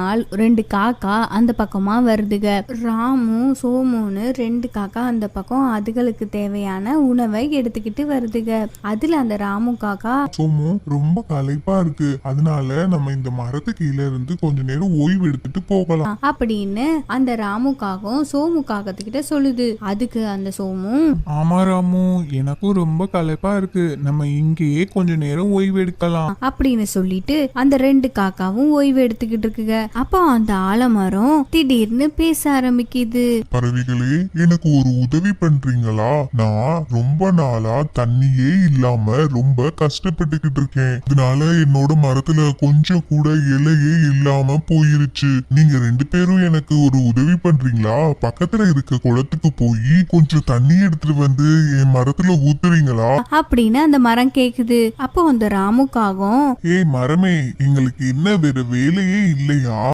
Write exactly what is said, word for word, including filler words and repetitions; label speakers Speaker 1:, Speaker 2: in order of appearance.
Speaker 1: நாள் ரெண்டு காக்கா அந்த பக்கமா வருதுக. ராமு சோமுன்னு ரெண்டு காக்கா அந்த பக்கம் அதுகளுக்கு தேவையான உணவை எடுத்துக்கிட்டு வருதுக. அதுல அந்த ராமு காக்கா,
Speaker 2: சோமு ரொம்ப களைப்பா இருக்கு, அதனால நம்ம இந்த மரத்து கீழே இருந்து கொஞ்ச நேரம் ஓய்வு எடுத்துட்டு போகலாம்
Speaker 1: அப்படின்னு அந்த ராமு காகம் சோமு காகத்துக்கிட்ட சொல்லுது. அதுக்கு அந்த சோமு,
Speaker 3: ஆமா ராமு, எனக்கும் ரொம்ப களைப்பா இருக்கு, நம்ம இங்கேயே கொஞ்ச நேரம் ஓய்வு எடுக்கலாம்
Speaker 1: அப்படின்னு சொல்லிட்டு அந்த ரெண்டு காக்காவும் ஓய்வு எடுத்துக்கிட்டு இருக்குங்க. அப்போ அந்த ஆலமரம் திடீர்னு பேச ஆரம்பிக்குது.
Speaker 2: பறவைகளே, எனக்கு ஒரு உதவி பண்றீங்களா? நான் ரொம்ப நாளா தண்ணியே இல்லாம ரொம்ப கஷ்டப்பட்டுக்கிட்டு இருக்கேன். இதனால என்னோட மரத்துல கொஞ்சம் கூட இலையே இல்லாம போயிருச்சு. நீங்க ரெண்டு பேரும் எனக்கு ஒரு உதவி பண்றீங்களா? பக்கத்துல இருக்க குளத்துக்கு போய் கொஞ்சம் தண்ணி எடுத்துட்டு வந்து என் மரத்துல ஊத்துறீங்களா
Speaker 1: அப்படின்னு அந்த மரம் கேக்குது. அப்போ அந்த ராமுக்காகும்,
Speaker 2: ஏய் மரமே, எங்களுக்கு என்ன வேற வேலையே இல்லையா?